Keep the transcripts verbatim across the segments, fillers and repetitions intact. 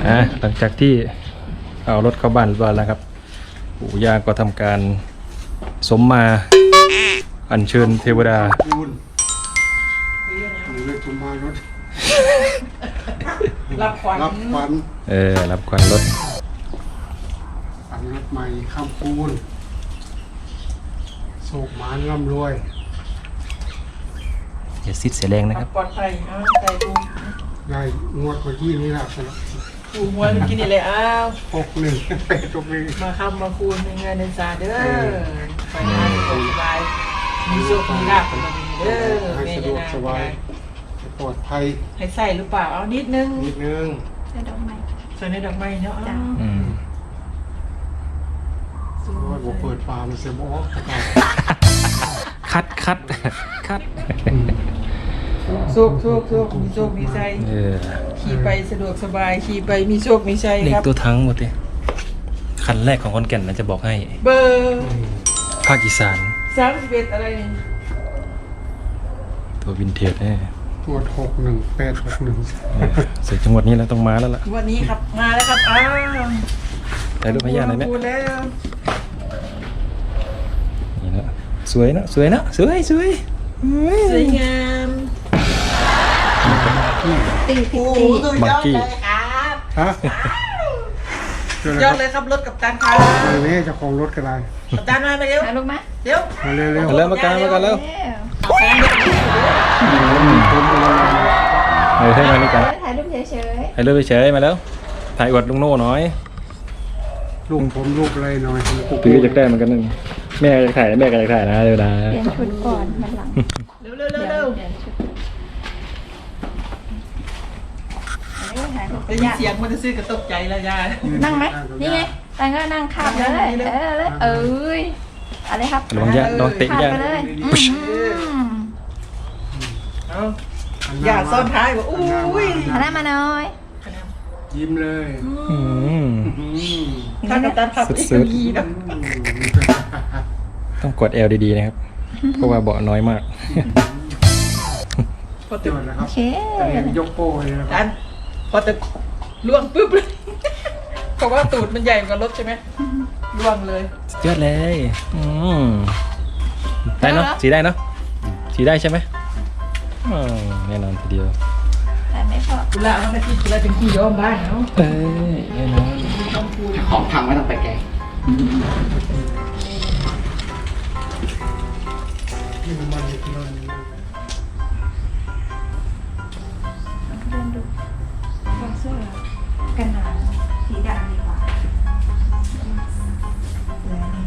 อ่ะหลังจากที่เอารถเข้าบ้านเรียบร้อยแล้วครับปู่ย่าก็ทำการสมมาอัญเชิญเทวดารับขวัญรับขวัญเออรับขวัญรถขวัญรถใหม่ข้ามปูนโศกหมานร่ำรวยอย่าซิดเสียแรงนะครับปลอดภัยอ้าวใจกูได้งวดเมื่อกี้นี่แหละสำหรับกูมวยเมื่อกี้นี่เลยอ้าวหกหนึ่งแปดตรงนี้มาคำมาคูณในเงินในซาเด้อไปงานสบายมีโชคมีลาภมาดีเด้อให้สะดวกสบายปลอดภัยให้ใส่หรือเปล่าเอานิดนึงนิดนึงใส่ดอกไม้ใส่ในดอกไม้เนาะอืมว่าผมเปิดฟาร์มเซมออกคัดคัดคัดโชคโชคโชคมีโชคมีชัยเออขี่ไปสะดวกสบายขี่ไปมีโชคมีชัยเด็กครับตัวทั้งหมดเลยคันแรกของคอนแก่นนะจะบอกให้เบอร์ภาคอีสานสามสิบเอ็ดอะไรนี่ตัววินเทจแน่งวดหกหนึ่งแปดหกหนึ่งเสร็จจังหวัดนี้แล้วต้องมาแล้วล่ะวันนี้ครับมาแล้วครับอ้าวถ่ายรูปให้ย่าหน่อยไหมพูดแล้วนี่นะสวยนะสวยนะสวยสวยสวยงามตีตีบังกี้ฮะยอดเลยครับรถกับตันครับเนี้เจ้าของรถกันไรกับตันมาไปเร็วมาลูกมาเร็วมาเร็วเร็วมาแล้วมากันมากันแล้วเออให้มานี่กันถ่ายรูปเฉยให้เลือกเฉยมาแล้วถ่ายอวดลุงโน่หน่อยลูกผมลูกอะไรหน่อยพี่อยากได้เหมือนกันนึงแม่อยากถ่ายแม่ก็อยากถ่ายนะเดี๋ยวนะๆเปลี่ยนชุดก่อนมันหลังเร็วเร็วเร็วเร็วเปลี่ยนชุดอันนี้ถ่ายรูปได้ยินเสียงมันจะซื้อกระตกใจแล้วยานั่งไหมนี่ไงตังก็นั่งข้ามเลยเออเลยเอ้ยอะไรครับลองยะลองเตะข้ามยะไปเลยอืมเอาอย่าซ่อนท้ายบอกอุ้ยหันหน้ามาหน่อยยิ้มเลยอืมถ้ากับตันขับอีกทีนะต้องกด L ดีๆนะครับเพราะว่าเบาะน้อยมากพอจตึกอดนะครัโอบ เคแต่ยังยกโป้เลยนะคตัรับนพอตึกล่วงปุ๊บเลยเพราะว่าตูดมันใหญ่กว่ารถใช่ไหมล่วงเลยสุดยอดเลยอืมได้เนาะสีได้เนาะสีได้ใช่ไหมอืมแน่นอนทีเดียวแต่ไม่พอกุละมันไม่คิดกุละเป็นที่ย้อมบ้านเนาะเอ้ยแน่นอนของพังไม่ต้องไปแกะที่มันมันที่เราเดินดูบางเสื้อกันหนาวสีดำดีกว่าเลยนี่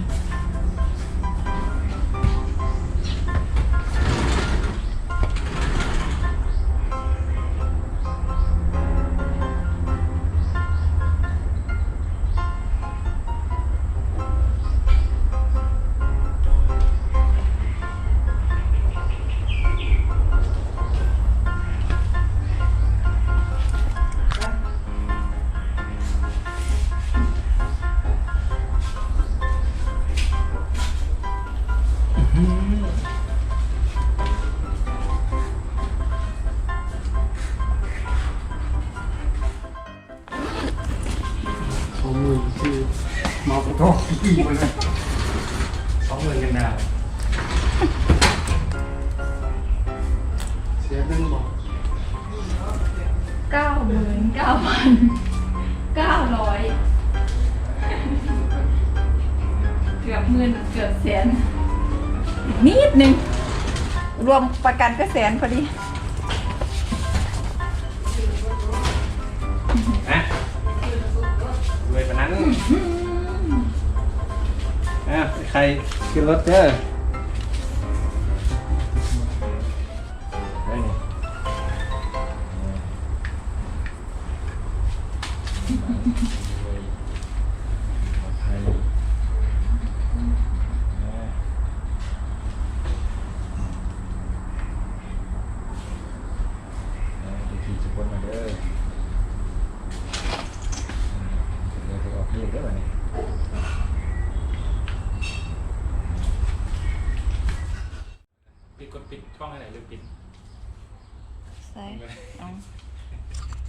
สองหมื่นที่มาประตูอีกมาเลยสองหมื่นกันดาวเสียเงินบอกเก้าหมื่นเก้าพันเก้าร้อยเกือบหมื่นเกือบแสนนิดนึงรวมประกันก็แสนพอดีนะรวยปะนั้นอ่ะใครขึ้นรถเจ้อได้นี่ปลอดภัยขี่จะพ้นมาเด้อเดี๋ยวจะออกเรียกได้ไหมเนี่ยปิดกดปิดช่องให้ไหนหรือปิดใส่เอา